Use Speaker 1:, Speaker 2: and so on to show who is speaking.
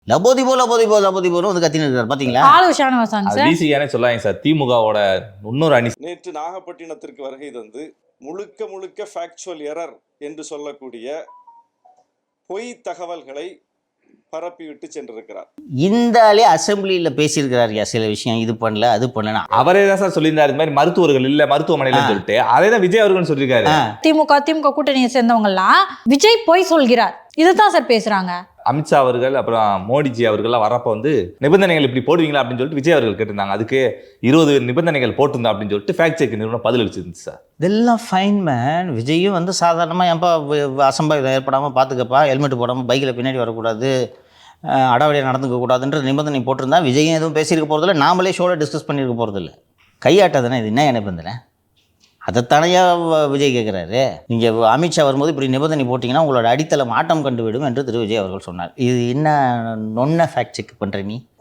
Speaker 1: லபோதிபோ லபோதிபோ லபோதிபோன்னு வந்து கத்தின்னு இருக்காரு பாத்தீங்களா?
Speaker 2: ஆளு ஷானவாசாங்க
Speaker 3: அது
Speaker 2: சார்.
Speaker 3: விசிகானே சொல்லாங்க சார். திமுகவோட இன்னொரு அணி.
Speaker 4: நேற்று நாகப்பட்டினத்திற்கு வருகை தந்து முழுக்க முழுக்க ஃபேக்சுவல் எரர் என்று சொல்லக்கூடிய பொய் தகவல்களை பரப்பிவிட்டு சென்றிருக்கிறார்.
Speaker 1: இந்த ஆளே அசெம்பிளியில பேசியிருக்கிறார் சில விஷயம், இது பண்ணல அது பண்ணல.
Speaker 3: அவரே தான் சார் சொல்லியிருந்தாரு இந்த மாதிரி மருத்துவர்கள் இல்ல மருத்துவமனையில சொல்லிட்டு. அதே தான் விஜய் அவர்கள் சொல்லியிருக்காரு.
Speaker 2: திமுக கூட்டணியை சேர்ந்தவங்க எல்லாம் விஜய் பொய் சொல்கிறார் இதுதான் சார் பேசுறாங்க.
Speaker 3: அமித்ஷா அவர்கள் அப்புறம் மோடிஜி அவர்கள்லாம் வரப்போ வந்து நிபந்தனைகள் இப்படி போடுவீங்களா அப்படின்னு சொல்லிட்டு விஜய் அவர்கள் கேட்டிருந்தாங்க. அதுக்கு 20 நிபந்தனைகள் போட்டிருந்தா அப்படின்னு சொல்லிட்டு ஃபேக்ட் செக் நிறுவனம் பதில் அளிச்சிருந்துச்சு சார்.
Speaker 1: இதெல்லாம் ஃபைன் மேன். விஜயும் வந்து சாதாரணமாக ஏன்பா அசம்பாவிதம் ஏற்படாமல் பார்த்துக்கப்பா, ஹெல்மெட் போடாமல் பைக்கில் பின்னாடி வரக்கூடாது, அடாவடியாக நடந்துக்க கூடாதுன்ற நிபந்தனை போட்டிருந்தா விஜயும் எதுவும் பேசியிருக்க போகிறதில்ல, நாமளே ஷோவில் டிஸ்கஸ் பண்ணியிருக்க போகிறதில்ல. கையாட்டாதானே இது, என்ன நிபந்தனை? அதைத்தானையா விஜய் கேட்குறாரு. நீங்கள் அமித்ஷா வரும்போது இப்படி நிபந்தனை போட்டிங்கன்னா உங்களோட அடித்தளம் ஆட்டம் கண்டுவிடும் என்று திரு விஜய் அவர்கள் சொன்னார். இது என்ன நொன்ன ஃபேக்ட் செக் பண்ணுற நீ?